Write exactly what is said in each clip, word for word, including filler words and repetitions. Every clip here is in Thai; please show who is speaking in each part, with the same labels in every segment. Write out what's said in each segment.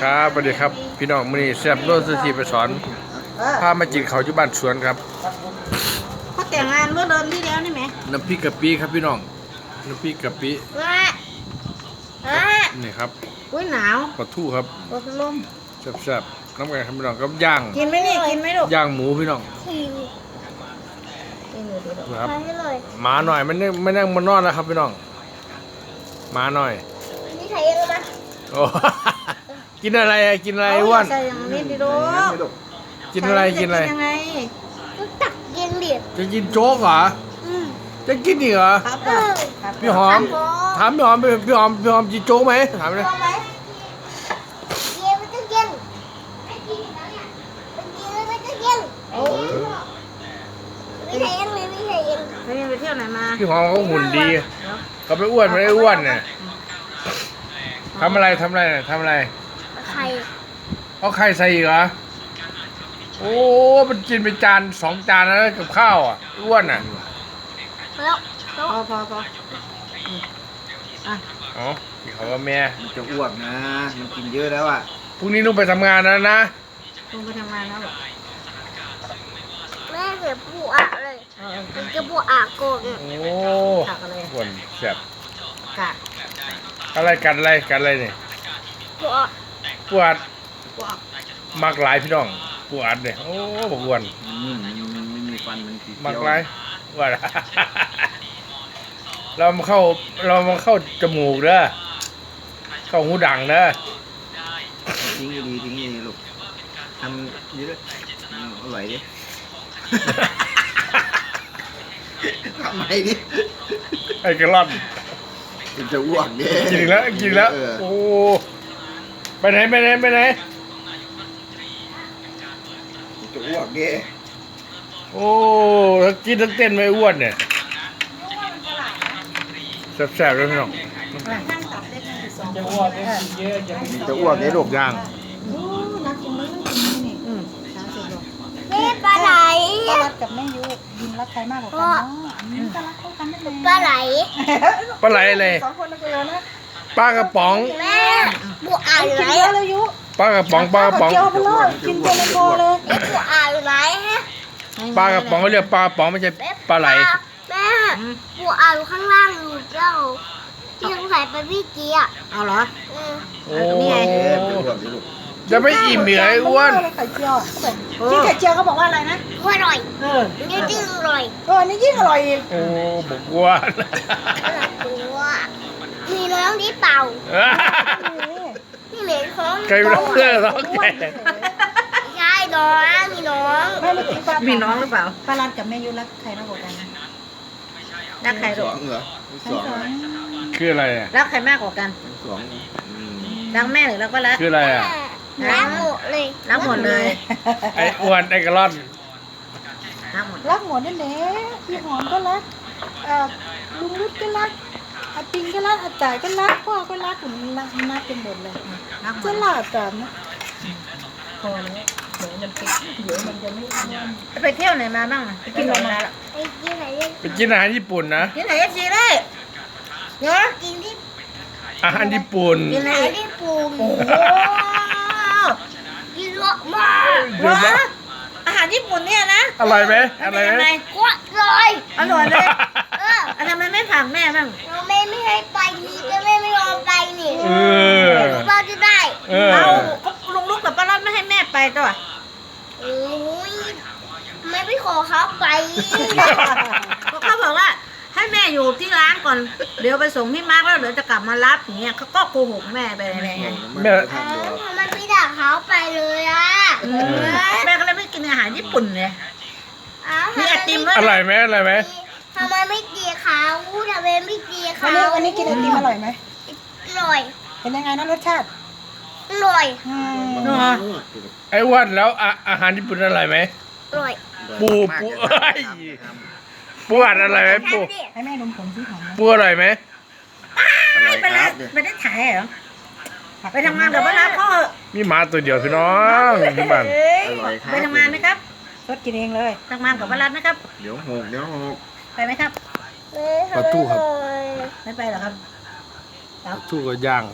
Speaker 1: ครับสวัสดีครับพี่น้องมื้อนี้แซ่บโลสุธีไปสอนพามาจินเขาอยู่บ้านสวนครับ
Speaker 2: เขาแต่งงานเมื่อเดือนที่แล้วนี่ไหม
Speaker 1: น้ำพริกกะปิครับพี่น้องน้ำพริกกะปินี่ครับ
Speaker 2: อุ้ยหนาว
Speaker 1: ปลาทูครับ
Speaker 2: ปลาลม
Speaker 1: แซ่บๆน้ำกันครับพี่น้องกับย่าง
Speaker 2: กินไหมนี่กินไหมลูก
Speaker 1: ย่างหมูพี่น้องครับหมาหน่อยมันไม่นั่งมันนอนแล้วครับพี่น้องหมาหน่อย
Speaker 3: นี่ใครยังมา
Speaker 1: โอ้กินอะไรกินอะไรอ้วน
Speaker 2: ใส่อย่างนี้ดิลูก
Speaker 1: กินอะไรกินอะไร
Speaker 2: ยังไง
Speaker 3: ตักเย็นเดียด
Speaker 1: จะกินโจ๊กเหรอจะกินอีกเหรอพี่หอมถามพี่หอมพี่หอมพี่หอมกินโจ๊กไหมถามเลย
Speaker 3: เย็นไม่ต้องเย็นไม่กินแล้วเนี่ยไม่กินแล้วไม่ต้องเย็นโอ้ไม่ใช่ยังเลยไม่ใช่ยัง
Speaker 2: ไปไปเที่ยวไหนมา
Speaker 1: พี่หอมเขาหุ่นดีเขาไม่อ้วนไม่ได้อ้วนเนี่ยทำอะไรทำอะไรทำอะไร
Speaker 3: ไข่
Speaker 1: เอาไข่ใส่อีกเหรอโอ้มันกินไปจานสองจานแล้วกับข้าวอ่ะอ้วนอ่ะ
Speaker 3: แล้ว
Speaker 2: พอพอพอ
Speaker 1: อ่ะอ๋อพี่เขาว่าแม่
Speaker 4: จะอ้วนนะมันกินเยอะแล้วอ่ะ
Speaker 1: พรุ่งนี้ต้องไปทำงานแล้วนะ
Speaker 2: ลุงไปทำงานแล้วหรอ
Speaker 3: แม่เสียปูอะเลยมันจะปูอะโกง
Speaker 1: โอ้อ้วนแซ่บ
Speaker 2: กะ
Speaker 1: อะไรกันอะไรกันอะไรเนี่ย
Speaker 3: ปูอะ
Speaker 1: ปวดมักหลายพี่น้องปวดเนี่ยโอ้บอกอ้วน
Speaker 4: มันไม่มีฟันมันสี
Speaker 1: มักหลายว่าเรามาเข้าเรามาเข้าจมูกเด้อเข้าหูดังเด้อ
Speaker 4: ทิ้งดีทิ้งดีลูกทำดีด้วยอร่อยดิทำไมดิ
Speaker 1: ไอ้กระล่อน
Speaker 4: มันจะอ้วกเนี่ย
Speaker 1: กินแล้วกินแล้วโอ้ไปไหนไปไหนไปไหน
Speaker 4: จะอ้วกเนี่ย
Speaker 1: โอ้ทั้งกินทั้งเต้นไม่อ้วนเนี่ยแซ่บๆเลยพี่น้อง
Speaker 4: จะอ้วกเนี่ยจะอ้วกเนี่ยลูกย่าง
Speaker 3: แม่ปลาไหล
Speaker 2: ปลารัดกับแม่ยุยินรักใครมากกว่ากันเนาะปลารัดเข้ากันได้ไหม
Speaker 3: ปลาไหล
Speaker 1: ปลาไหลอะไร
Speaker 2: สองคนนะคุณนะ
Speaker 1: ปลากระป๋อง
Speaker 3: แม่บัวอ่านไหน
Speaker 2: เลยยุ
Speaker 1: ปลากระป๋องปลากระป๋อง
Speaker 2: กินเต็มคอเลย
Speaker 3: บัวอ่านไหนฮะ
Speaker 1: ปลากระป๋องเขาเรียกปลากระป๋องไม่ใช่ปลาไหล
Speaker 3: แม่บัวอ่านข้างล่างอยู่เจ้าที่สงสัยไปพี่เกียร์
Speaker 2: เอาเหรอ
Speaker 1: โอ้นี่ไงจะไม่อิ่มเหนื่อยอ้วน
Speaker 2: ไข่เจียวที่ไข่เจียวเขาบอกว่าอะไรนะ
Speaker 3: อร่อยเออนี่ยิ่งอร่อย
Speaker 2: เออนี่ยิ่งอร่อยอีก
Speaker 1: โอ้บอกว่า
Speaker 3: มีน้องที่เป่านี่เหม็นของ
Speaker 1: ใครร้องเพื่อร้องแก่
Speaker 3: ใช่น้องมีน้อง
Speaker 2: มีน้องหรือเปล่าปลาลันกับแม่ยุรักใครมากกว่ากันนะรักใคร
Speaker 4: สองเหรอสอง
Speaker 1: คืออะไรอ่ะ
Speaker 2: รักใครมากกว่ากัน
Speaker 4: สอง
Speaker 2: รักแม่หรือรักปลาลัน
Speaker 1: คืออะไรอ่ะ
Speaker 3: รักหมดเลย
Speaker 2: รักหมดเลย
Speaker 1: ไอ้อ้วนไอ้กระล่อน
Speaker 2: รักหมดรักหมดนั่นแหละพี่หอมก็รักลุงรุดก็รักอาปิงก็รักอาจ่ายก็รักพ่อก็รักผมรักรักเป็นหมดเลยจะหลาบกันนะพอแล้วเดี๋ยวมันติดเดี๋ยวมันจะไม่ไปเที่ยวไหนมาบ้างไปกินอะไรมา
Speaker 3: ไปกินไหน
Speaker 1: ไปกินอาหารญี่ปุ่นนะ
Speaker 2: กินไหนจีเลยเนาะ
Speaker 3: กินที่
Speaker 1: อาหารญี่ปุ่น
Speaker 3: กินไหนญี่ปุ่นโอ้โหกินเยอะมาก
Speaker 2: อาหารญี่ปุ่นเนี่ยนะ
Speaker 1: อร่อยไหมอร่อยไหม
Speaker 3: อร่อย
Speaker 2: อร่อยเลยเออทำไมไม่ถามแม่บ้าง
Speaker 3: เราแม่ไม่ให้ไปนี่ก็แม่ไม่ยอมไปนี่
Speaker 1: เออ
Speaker 3: เราจะได้
Speaker 2: เราลุงลูกกับป้ารัตไม่ให้แม่ไปตัว
Speaker 3: โอ้ยไม่ไปขอเขาไป
Speaker 2: เขาบอกว่าให้แม่อยู่ที่ร้านก่อนเดี๋ยวไปส่งพี่มาร์กแล้วเดี๋ยวจะกลับมารับอย่างเงี้ยเขาก็โกหกแม่ไปอะไรเงี้ย
Speaker 1: แม่
Speaker 3: ทำไมไม่ด่าเขาไปเลยอ่ะ
Speaker 2: แม่ก็เลยไม่กินอาหารญี่ปุ่นเลยมีไอติมด้วย
Speaker 1: อร่อยไหมอร่อยไหม
Speaker 3: ทำไมไม่ตีเขาทำไมไม่ตีเขา
Speaker 2: วันนี้วันนี้กินไอติมอร่อยไหม
Speaker 3: อร่อย
Speaker 2: เป็นยังไงนะรสชาติ
Speaker 3: อร่อย
Speaker 1: ไอ้อ้วนแล้วอาหารญี่ปุ่นอร่อยไหม
Speaker 3: อร่อย
Speaker 1: ปูปูเอ้ยปูอะไรไหมปู
Speaker 2: ให้แม่ดมผมที่หอม
Speaker 1: ปูอร่อยไหม
Speaker 2: ไปแล้วไปได้ถ่ายเหรอไปทำงานกับป้ารัตพ่อ
Speaker 1: มีหมาตัวเดียวพี่น้องที่บ้าน
Speaker 2: ไปทำงานไหมครับรถกินเองเลยทำงานกับป้ารัตนะครับ
Speaker 4: เดี๋ยวหกเดี๋ยวหก
Speaker 2: ไปไหมครับ
Speaker 1: ปลาทูครับ
Speaker 2: ไม่ไปหรอครับ
Speaker 1: ปลาทูก็ย่างครับ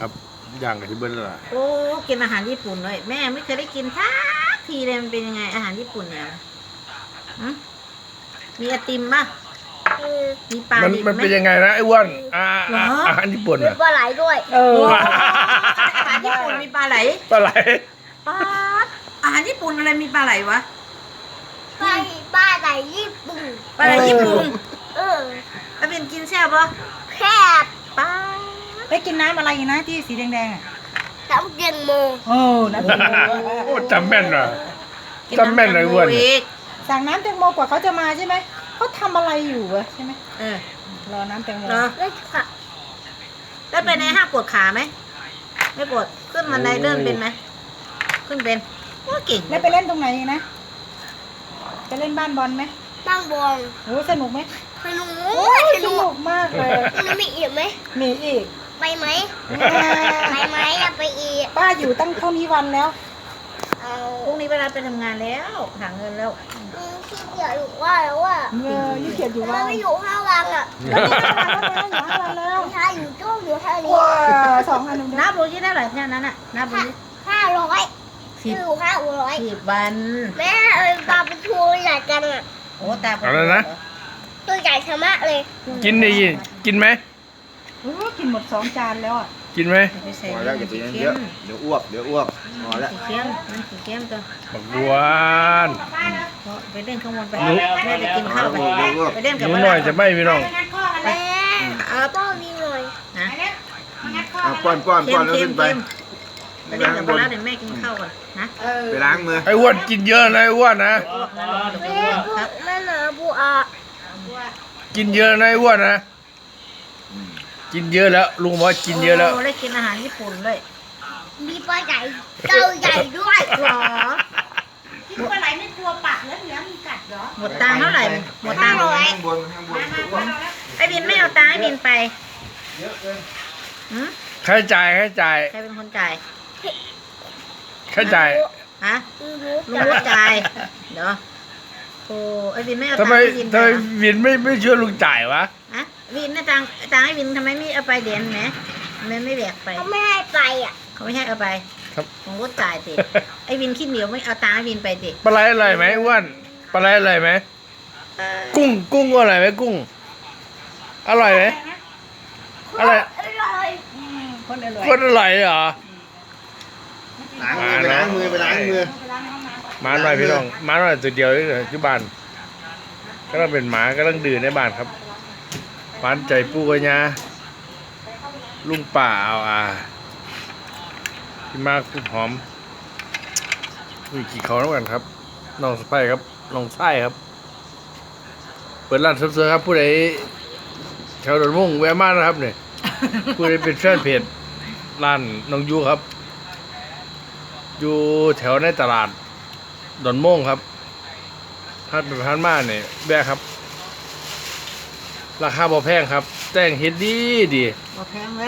Speaker 1: ย่างกับที่เบิ้ลแล้วล่ะ
Speaker 5: โอ้กินอาหารญี่ปุ่นเลยแม่ไม่เคยได้กินทักทีเลยมันเป็นยังไงอาหารญี่ปุ่นเนี่ยหึมีไอติมป่ะ
Speaker 3: เออ
Speaker 5: มีปลา
Speaker 1: มัน
Speaker 5: ดิบ
Speaker 1: มัน
Speaker 5: ไหม
Speaker 1: เป็นยังไงนะไอ้อ้วนอ่า
Speaker 5: เหรอ
Speaker 1: อาหารญี่ปุ่น
Speaker 3: มี
Speaker 1: อ่ะ
Speaker 3: ปลาไหลด้วย
Speaker 2: เออ
Speaker 5: โอ้อาหารญี่ปุ่นมีปลาไหล
Speaker 1: ปลาไหล
Speaker 5: ปลาอาหารญี่ปุ่นอะไรมีปลาไหลวะ
Speaker 3: ปลาปลาไหลญี่ปุ่น
Speaker 5: ปลาไหลญี่ปุ่น
Speaker 3: เออ
Speaker 5: ไอเป็นกินแซ่บปะ
Speaker 3: แคบ
Speaker 5: ปลา
Speaker 2: ได้กินน้ำอะไรนะที่สีแดงๆอ่ะ
Speaker 3: น้ำเย็นโม
Speaker 2: โอ้น้ำแตงโม
Speaker 1: โอ้จำแม่นว่ะ
Speaker 5: กิ
Speaker 1: จำแม่นเลยอ้วน
Speaker 5: อีก
Speaker 2: สั่งน้ำแตงโมกว่าเขาจะมาใช่ไหมเขาทำอะไรอยู่วะใช่ไหม
Speaker 5: เออ
Speaker 2: รอน้ำแตงโม
Speaker 5: เหรอ
Speaker 3: แล้วค่ะ
Speaker 5: แล้วไปในห้างปวดขาไหมไม่ปวดขึ้นบันไดเลื่อนเป็นไหมขึ้นเป็นว่าเก่ง
Speaker 2: แล้วไปเล่นตรงไหนอีกนะไปเล่นบ้านบอลไหม
Speaker 3: นั่งบอง
Speaker 2: โอ้สนุกไหม
Speaker 3: สนุก
Speaker 2: โอ้ย
Speaker 3: ส
Speaker 2: ส
Speaker 3: นุ
Speaker 2: นุ
Speaker 3: ก
Speaker 2: กมากเลย
Speaker 3: มันมีอีกไหม
Speaker 2: มีอีก
Speaker 3: ไปไหมไปไหมอยากไปอีก
Speaker 2: ป้าอยู่ตั้งเท่านี้วันแล้ว
Speaker 3: เอา
Speaker 5: พรุ่งนี้เวลาไปทำงานแล้วหาเงินแล้ว
Speaker 3: อืมขี้เกียจอยู่ว่าแล้วว่า
Speaker 2: เออยี่เกียจอยู่
Speaker 3: ทำไม
Speaker 2: วัน
Speaker 3: ไม่อยู่ห้าวันอ่ะ
Speaker 2: แล้วนี่ห้าวันแล้ว
Speaker 3: ใช่อยู่โจ้อยู่แค่นี้
Speaker 2: ว้าสองอันหนึ่ง
Speaker 5: นับดูที่เท่าไหร่แค่นั้นน่ะนับดู
Speaker 3: ห้า
Speaker 5: ที่
Speaker 3: ห้าร้อย
Speaker 5: สิบ
Speaker 3: อยู่ห้าร้อย
Speaker 5: สิบวัน
Speaker 3: แม่เอ้ยปลาเป็นทูใหญ่จังอ่ะ
Speaker 5: โอ้ตา
Speaker 1: อะไรนะ
Speaker 3: ตัวใหญ่ชะมะเลย
Speaker 1: กินดิกินไหม
Speaker 2: โอ้กินหมดสองจานแล้วอ่ะ
Speaker 1: กินไหม
Speaker 5: ไปใส่
Speaker 4: พอ
Speaker 5: เย
Speaker 4: แล้ว
Speaker 5: อะ
Speaker 4: อย่าไป
Speaker 5: สี
Speaker 4: เย
Speaker 5: เข้
Speaker 4: อะ
Speaker 5: ม
Speaker 4: เดี๋ยวอ้วกเดี๋ยวอ้วกพอแล้ว
Speaker 5: สีเข้มมันสีเข้มตัว
Speaker 1: บักบัวาน
Speaker 5: ไปเล่นข้างบนไป
Speaker 1: หนู
Speaker 5: แม่ไปกินข้าวไปไปเล่น
Speaker 1: ห
Speaker 5: กับ
Speaker 1: นู
Speaker 5: ป้า
Speaker 1: หน่อยจะไม่พี่น้อง
Speaker 3: แม่ป้อนนี่หน่อย
Speaker 5: นะ
Speaker 4: เอาป้อนป้อน
Speaker 5: เข้
Speaker 4: ป้อ
Speaker 5: ม
Speaker 4: นแล้ว
Speaker 5: เข้
Speaker 4: ขึ้
Speaker 5: ม
Speaker 4: นไป
Speaker 5: เข้มไปเล่นกับป้าเดี๋ยวแม่กินข้าวก่อนนะ
Speaker 4: ไปล้างมือ
Speaker 1: ไอ้อ้วนกินเยอะนะไอ้อ้วนนะ
Speaker 3: แม่พูดแม่เหนือบัว
Speaker 1: กินเยอะนะไอ้อ้วนนะกินเยอะแล้วลุงบอกว่ากินเยอะแล้ว
Speaker 5: โได้กินอาหารญี่ปุ่นเลย
Speaker 3: มีปลาใหญ่เต่าใหญ่ด้วย
Speaker 5: หรอ
Speaker 2: กินปลาไหลไม่กลัวปากแล้วเหลือมีกัดเหรอ
Speaker 5: หมดตังค์เท่าไหร่หมดตังค์
Speaker 4: ข้างบนข้างบนอ้วก
Speaker 5: ไอ้บินไม่เอาตังค์ให้บินไป
Speaker 4: เยอะเกิน
Speaker 5: หืม
Speaker 1: ค่าใช้จ่ายค่าใช้จ่าย
Speaker 5: ใครเป็นคนจ่าย
Speaker 1: ค่าใช้จ่าย
Speaker 5: ฮะ
Speaker 3: รู้
Speaker 5: ลุงรู้จ่ายเดี๋ยวโอ้ไอ้บินไม่เอาตั
Speaker 1: ทำ
Speaker 5: ง
Speaker 1: ไม
Speaker 5: ค์ให้บินไป
Speaker 1: ทำไม
Speaker 5: เหรอ
Speaker 1: วินไม่ไม่ช่วยลุงจ่ายวะ
Speaker 5: ฮะบินนะตังค์ตังค์ให้บินทำไมไม่เอาไปเดียนไหมทำไมไม่แบกไป
Speaker 3: เขาไม่ให้ไปอ่ะ
Speaker 5: เขาไม่ให้เอาไป
Speaker 1: ครับ
Speaker 5: ลุงรู้จ่ายติไอ้บินขี้เหนียวไม่เอาตังค์ให้บินไปติ
Speaker 1: ปลาไหลอร่อยไหมอ้วนปลาไหลอร่อยไหมกุ้งกุ้งอร่อยไหมกุ้ง อร่อยไหมอร่อย
Speaker 3: อร่อย
Speaker 2: คนอร่อย
Speaker 1: คนอร่อยเหรอ
Speaker 4: ล้างมือไปล้างมือไปล้างมือ
Speaker 1: หมาหน่อยพี่น้องหมาหน่อยตัวเดียวนี่เลยที่บ้านก็ต้องเป็นหมาก็ต้องดื่นในบ้านครับหวานใจปูกัญญาลุงป่าเอาอ่าพี่มากคุณหอมอุ้ยกี่เขาแล้วกันครับน้องสไปครับน้องไส้ครับ เปิดร้านเสริมๆครับผู้ใดแถวดอนมุ่งแวะมานะครับเนี่ยผู้ใดเป็นแฟนเพจร้านน้องยูครับ อยู่แถวในตลาดดอนม่งครับถ้าเป็นพันมาเนี่ยแบกครับ ราคาบ่แพงครับ แต่งเฮ็ดดีดี
Speaker 5: บ่แพงเลย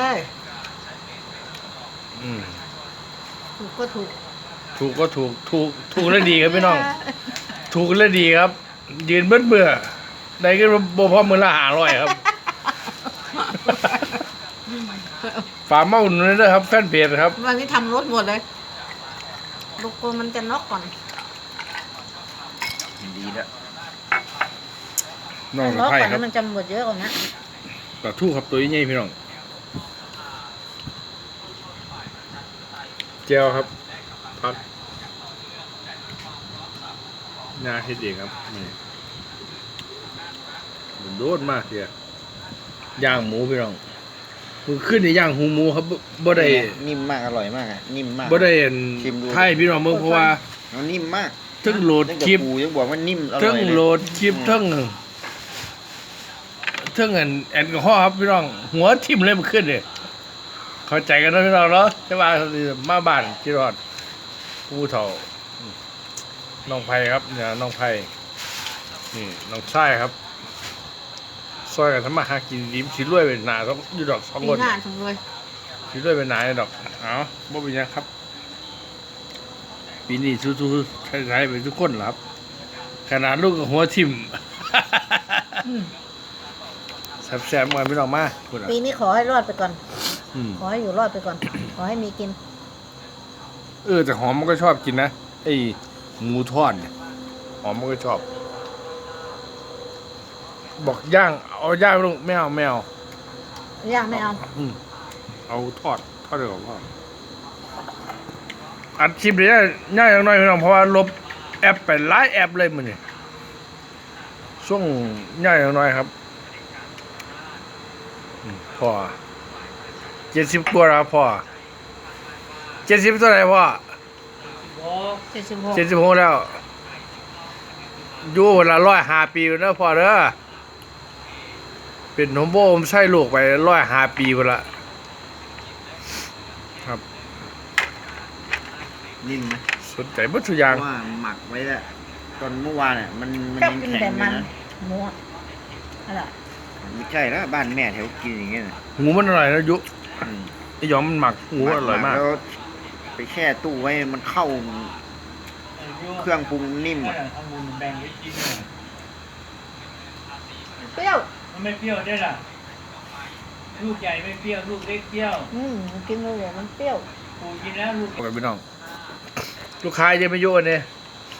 Speaker 1: อืม
Speaker 5: ถูกก็ถูก
Speaker 1: ถูกก็ถูกถูกถูกและดีครับพี่น้อง ถูกและดีครับ ยืนเบิ้เบื่อได้ก็บ่พอมือละหาร้อยครับ ฝากมาอุ่นนด้วยนะครับ แฟนเพจครับ
Speaker 5: วันนี้ทำรถหมดเลยลูกโกมันจะน็อกก่อน
Speaker 4: ดีแล้ว
Speaker 1: น้อง
Speaker 5: น็อก
Speaker 1: ไผ่
Speaker 5: ก่อน
Speaker 1: ครั
Speaker 5: แล้
Speaker 1: บ
Speaker 5: วมันจะหมดเยอะกว่านี้
Speaker 1: ปลาทูครับตัวใหญ่พี่น้องเจียวครับพักงาเฮ็ดเองครับนี่โดดมากเสียย่างหมูพี่น้องมือขึ้นในย่างหูหมูครับบ่บ่ได้
Speaker 4: นิ่มมากอร่อยมากอ่ะนิ่มมาก
Speaker 1: บ่ได้เห็น
Speaker 4: ชิมดู
Speaker 1: ไทยพี่น้องเมืองเพราะว่า
Speaker 4: มันนิ่มมาก
Speaker 1: ทั้งโหลด
Speaker 4: ตั้ง
Speaker 1: คลิป
Speaker 4: แต่ปูยังบอกว่านิ่มอร่
Speaker 1: ทั้
Speaker 4: อง ย
Speaker 1: โหล
Speaker 4: เลย
Speaker 1: ดคลิปทั้งทั้งอันแอลกอฮอล์ครับพี่น้องหัวทิ่มเลยมันขึ้นเลยเข้าใจกันนะพี่น้องเนาะแต่ว่ามาบ้านที่รอดผู้เฒ่าน้องไผ่ครับเนี่ยน้องไผ่นี่น้องชายครับซอยกันทำมาหากินดีสิรวยเป็นหนาต้องอยู่ดอกสอง
Speaker 5: ปี
Speaker 1: คน
Speaker 5: หน้าจังเลย
Speaker 1: สิรวยเป็นหนาดอกเอาบ่เป็นหยังครับ ปีนี้สู้ๆใช้ๆไปทุกคนเหรอครับ ขนาดลูกกับหัวทิ่ม แซ่บๆมาพี่น้องมาพูดอ่ะ
Speaker 5: ปีนี้ขอให้รอดไปก่อน
Speaker 1: อืม
Speaker 5: ขอให้อยู่รอดไปก่อน
Speaker 1: ข
Speaker 5: อให้มีกิน
Speaker 1: เออแต่หอมมันก็ชอบกินนะไอ้หมูทอดเนี่ยหอมมันก็ชอบ บอกย่างเอาย่างลูกไม่เอาไม่เอา
Speaker 5: ย่างไม่เอา
Speaker 1: อืมเอาทอดทอดเดี๋ยวพ่ออัดคลิปเลยนะง่ายอย่างน้อยพี่น้องเพราะว่าลบแอปไปหลายแอปเลยมันนี่ช่วงง่ายอย่างน้อยครับอืมพ่อเจ็ดสิบกว่าแล้วครับพ่อเจ็ดสิบเท่าไหร่พ่อ
Speaker 5: เจ็ดสิบหก
Speaker 1: เจ็ดสิบหกแล้วอยู่วันละร้อยห้าปีแล้วพ่อเด้อเป็นหมโบมใช่ลูกไปร้อยห้าปีวันละครับ
Speaker 4: นิ่มไหม
Speaker 1: สนใจบัตถุกอ
Speaker 4: เพ
Speaker 1: ย่าง
Speaker 4: ราะว่าหมักไว้แล้วตอนเมื่อวานเนี่ยมันมัน
Speaker 5: ชอบ
Speaker 4: ยัง
Speaker 5: กิน
Speaker 4: แข็ง
Speaker 5: แต่
Speaker 4: อยู่
Speaker 5: มัน
Speaker 4: นะ
Speaker 5: หมูอะอร่อย
Speaker 4: ไม่ใช่แล้วบ้านแม่แถวกินอย่างเงี้ยนะ
Speaker 1: หมูมันอร่อยนะยุ
Speaker 4: อืม
Speaker 1: ไอ้หยอมมันหมักหมูอร่อยมาก
Speaker 4: แล้วไปแช่ตู้ไว้มันเข้าเครื่องปรุงนิ่มอะ
Speaker 6: เอามูลแบ่งไว้กินหน่อย
Speaker 5: เปรี้ยว
Speaker 6: มันไม่เปรี้ยวได้ล่ะ ลูกใหญ่ไม่เปรี้ยว ลูกเล็กเปรี้ยว
Speaker 5: อืมกินเลยเดี๋ยวมันเปรี้ยว
Speaker 6: ปูกินแล้วลูก
Speaker 1: โอเคพี่น้องลูกค้าจะไม่ยุ่งเนี่ย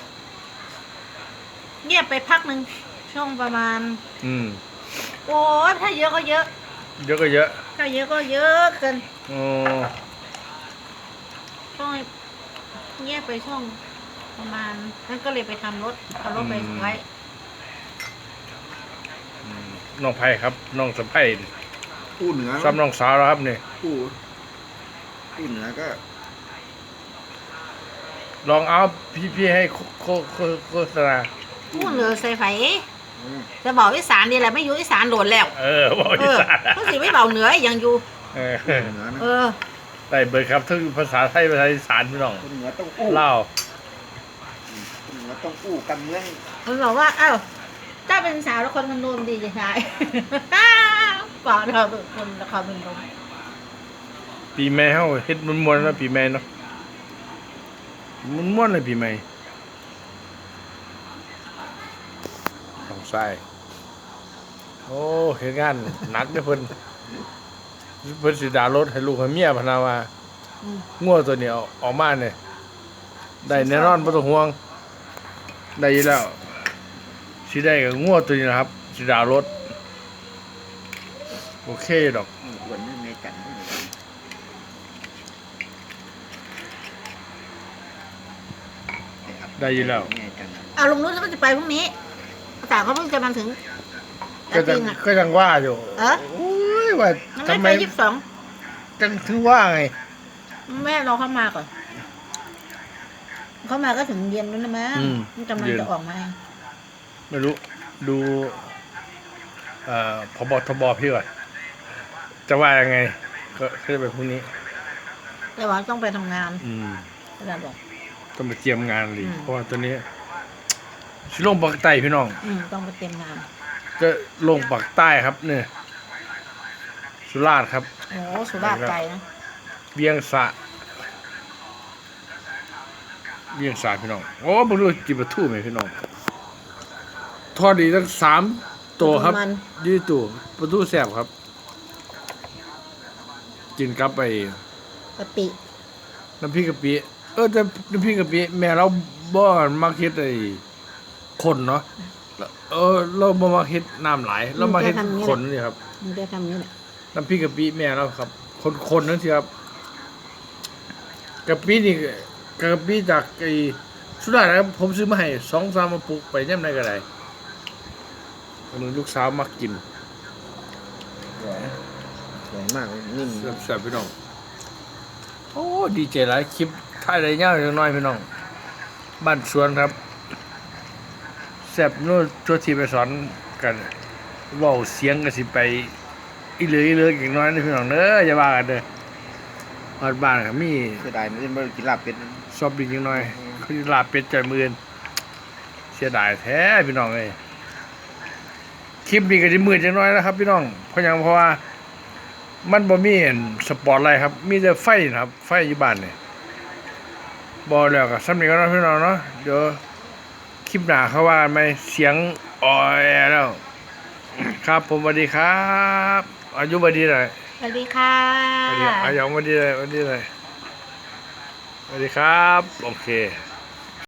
Speaker 5: เงียบไปพักหนึ่งช่วงประมาณ
Speaker 1: อืม
Speaker 5: โอ้ยถ้าเยอะก็เยอะ
Speaker 1: เยอะก็เยอะ
Speaker 5: ถ้าเยอะก็เยอะเกิน
Speaker 1: โอ้
Speaker 5: ช่วงเงียบไปช่วงประมาณนั่นก็เลยไปทำรถเอารถไปไว้
Speaker 1: อืมน้องไผ่ครับน้องสะไผ่
Speaker 4: พูดเหนือ
Speaker 1: ซ้ำน้องสาวแล้วครับนี่
Speaker 4: พูดพูดเหนือก็
Speaker 1: ลองเอาพี่พี่ให้โคโคโฆโฆษณา
Speaker 5: พูดเหลือใส่ไฟ
Speaker 4: อืม
Speaker 5: จะบอกอีสานนี่แหละไม่อยู่อีสานโดนแล้ว
Speaker 1: เออบอก
Speaker 5: เอ
Speaker 1: อี
Speaker 5: อ
Speaker 1: สาน
Speaker 5: ก็สิไม่เบาเหนือยังอยู่
Speaker 1: เออ
Speaker 4: เหนือนะ
Speaker 5: เออ
Speaker 1: ได้เบิร์ครับทั้งภาษาไทยภาษาอีสานพี่น้อง
Speaker 4: คนเหนือต้องอู้
Speaker 1: เล่าว
Speaker 4: คนเหนือต้องอู้กันเมือง
Speaker 5: มันบอกว่าอ้าวถ้าเป็นสาวแล้วคนมันโดนดีจะใช่ ก่อนเราเป็นคนละครเป็นคน
Speaker 1: ปีใหม่เฮาเฮ็ดมวนๆนะปีใหม่เนาะม่วนๆเลยปีใหม่ต้องใส่โอ้เฮ็ดงานหนักเด้อเพิ่นเพิ่นสิดารถให้ลูกให้เมียพะนาว่า
Speaker 5: อืม
Speaker 1: งัวตัวนี้เอาออกมาเนี่ยได้แน่นอนบ่ต้องห่วงได้อยู่แล้วสิได้กับงัวตัวนี้นะครับสิดารถโอเคดอก
Speaker 4: อ้วนนี่ในกันนี่เลย
Speaker 1: ได้อยู่แล้ว
Speaker 4: ในกัน
Speaker 5: เอาลุงนุชก็จะไปพรุ่งนี้แต่เขาเพิ่งจะมาถึง
Speaker 1: ก็จั
Speaker 5: จ
Speaker 1: ง
Speaker 5: ริงอ่ะ
Speaker 1: ก็จังว่าอยู่
Speaker 5: เออ
Speaker 1: โอ้ยว่า
Speaker 5: มัน
Speaker 1: ทำ
Speaker 5: ไม่
Speaker 1: ไม
Speaker 5: ไปยี่สิบสอง
Speaker 1: จังถึงว่าไง
Speaker 5: แม่รอเขามาก่อนเขามาก็ถึงเย็นแล้วนะแม่มันกำลังจะออกมา
Speaker 1: ไม่รู้ดูเอ่อพบทบพี่ก่อนจะว่ายังไง ก็ก็จะไปพรุ่งนี้
Speaker 5: แต่ว่าต้องไปทำงาน
Speaker 1: อืม
Speaker 5: อาจารย์บอก
Speaker 1: ต้องไปเตรียมงานเลย
Speaker 5: อืม
Speaker 1: เพราะว่าตัวนี้สิลงปากใต้พี่น้อง
Speaker 5: อืมต้องไปเตรียมงาน
Speaker 1: จะลงปากใต้ครับเนี่ยสุราษฎร์ครับ
Speaker 5: โอ้สุราษฎร์ไกลนะ
Speaker 1: เวียงสะเวียงสะพี่น้องโอ้บรู้จิบปลาทูไหมพี่น้องทอดดีทั้งสามตัวครับ
Speaker 5: มัน
Speaker 1: ยืดตัวปลาทูแซ่บครับ กินกับไป
Speaker 5: กะปิ
Speaker 1: น้ำพริกกะปิเออแต่น้ำพริกกะปิแม่เราบ่มักเฮ็ดไอ้คนเนาะเออเราบ่มักเฮ็ดน้ำหลายเรามาเฮ็ดคนนี่ครับ
Speaker 5: มันจะทำนี้แหละ
Speaker 1: น้ำพริกกะปิแม่เราครับ คนๆนั่นสิครับกะปินี่กะปิจากไอ้สุดาษฎร์นะครับผมซื้อมาให้สองสามมาปลูกไปย่ำไหนก็ได้อันนี้ลูกสาวมักกิน
Speaker 4: สวยสวยมากเลยนิ่ม
Speaker 1: แซ่บๆพี่น้องโอ้ดีใจหลายคลิปถ่ายได้ยาวจังน้อยพี่น้องบ้านสวนครับแซ่บโน่นตัวที่ไปสอนกันเว้าเสียงก็สิไปอีเหลืออีเหลืออีกน้อยนี่พี่น้องเด้ออย่าว่ากันเด้อฮอดบ้านก็มี
Speaker 4: เสียดายไม่ได้มากินลาบเป็ดนะ
Speaker 1: ซอบบินยังน้อยคือลาบเป็ดใจอยมือนเสียดายแท้พี่น้องเลยคลิปนี้ก็จะมืดจังน้อยนะครับ พี่น้องเพราะหยังเพราะว่า มันบ่มีอันสปอร์ตไลท์ครับ มีแต่ไฟนะครับ ไฟอยู่บ้านนี่บ่แล้วก็ซ้ำนี้ก็เนาะพี่น้องเนาะเดี๋ยวคลิปหน้าเขาว่าไหมเสียงอ่อยแล้ว ครับผมสวัสดีครับอายุบดีหน่อย
Speaker 5: สวัสดีค่ะ
Speaker 1: สวัสดีอายองสวัสดีเลยสวัสดีเลยสวัสดีครับ โอเค